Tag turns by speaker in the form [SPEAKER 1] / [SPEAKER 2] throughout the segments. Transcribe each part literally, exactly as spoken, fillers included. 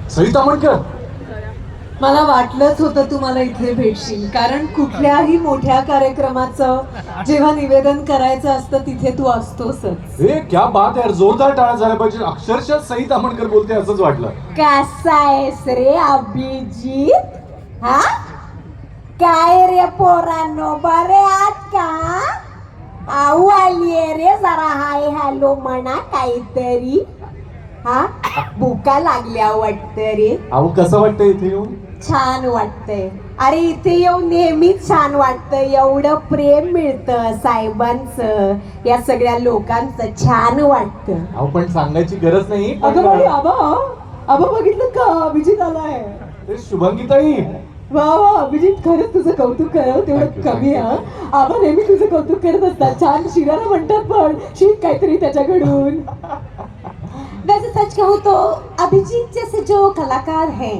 [SPEAKER 1] सई तामणकर.
[SPEAKER 2] मला वाटलंच होतं तुम्हाला इथे भेटशील, कारण कुठल्याही मोठ्या कार्यक्रमाचं जेव्हा निवेदन करायचं असतं तिथे तू असतोसच.
[SPEAKER 1] हे क्या बात यार, जोरदार टाळ्या झाल्या पाहिजे. अक्षरशः सई तामणकर बोलते असंच वाटलं.
[SPEAKER 2] कसा आहेस रे अभिजित? हा काय रे पोरांनो, बरे आहात का? आऊ आलीये रे, जरा हाय हॅलो म्हणा काहीतरी. हा भुका लागल्या वाटतं रे.
[SPEAKER 1] अहो कसं वाटतं इथे येऊन?
[SPEAKER 2] छान वाटतंय. अरे इथे येऊन नेहमीच छान वाटतं. एवढं प्रेम मिळतं साहेबांचं, या सगळ्या लोकांचं छान वाटतं.
[SPEAKER 1] अहो पण सांगायची गरज नाही.
[SPEAKER 2] अगं बाई, आबा आबा बघितलं का, अभिजित आलाय.
[SPEAKER 1] ते शुभांगीताई.
[SPEAKER 2] वा वा अभिजित, खरंच तुझं कौतुक करावं तेवढं
[SPEAKER 1] Thank you,
[SPEAKER 2] कमी
[SPEAKER 1] thank you.
[SPEAKER 2] हा. आबा नेहमी तुझं कौतुक करत असतात. छान शिराला म्हणतात, पण शिक काहीतरी त्याच्याकडून. वैसे सच कहूँ तो अभिजीत जैसे जो कलाकार हैं,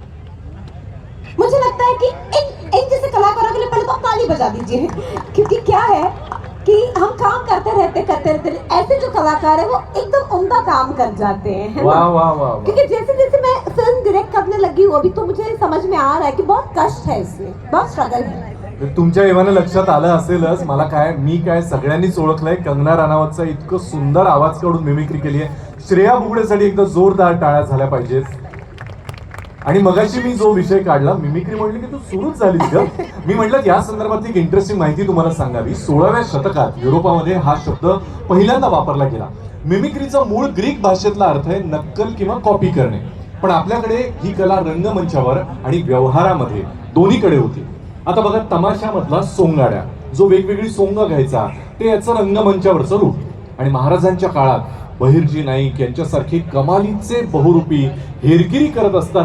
[SPEAKER 2] मुझे लगता है कि एक एक जैसे कलाकारों के लिए पहले तो आप ताली बजा दीजिए, क्योंकि क्या है कि हम काम करते रहते करते रहते ऐसे जो कलाकार है वो एकदम उम्दा काम कर जाते हैं, है ना?
[SPEAKER 1] वाह वाह वाह वाह.
[SPEAKER 2] क्योंकि जैसे जैसे मैं फिल्म डायरेक्ट करने लगी हूँ अभी, तो मुझे समझ में आ रहा है कि बहुत कष्ट है इसमें, बहुत स्ट्रगल है.
[SPEAKER 1] तुमच्या एव्हाना लक्षात आलं असेलच. मला काय, मी काय सगळ्यांनीच ओळखलंय. कंगना राणावतचा इतकं सुंदर आवाज काढून मिमिक्री केली आहे. श्रेया बुगडेसाठी एकदा जोरदार टाळ्या झाल्या पाहिजेत. आणि मगाशी मी जो विषय काढला मिमिक्री, म्हणली की तू सुरूच झालीस ग. मी म्हटलं या संदर्भातली एक इंटरेस्टिंग माहिती तुम्हाला सांगावी. सोळाव्या शतकात युरोपामध्ये हा शब्द पहिल्यांदा वापरला गेला. मिमिक्रीचा मूळ ग्रीक भाषेतला अर्थ आहे नक्कल किंवा कॉपी करणे. पण आपल्याकडे ही कला रंगमंचावर आणि व्यवहारामध्ये दोन्हीकडे होती. आता बघा, तमाशामधला सोंगाड्या जो वेगवेगळी सोंग घ्यायचा, ते याचं रंगमंचावरचं रूप. आणि महाराजांच्या काळात बहिर्जी नाईक यांच्यासारखे कमालीचे बहुरूपी हेरगिरी करत असताना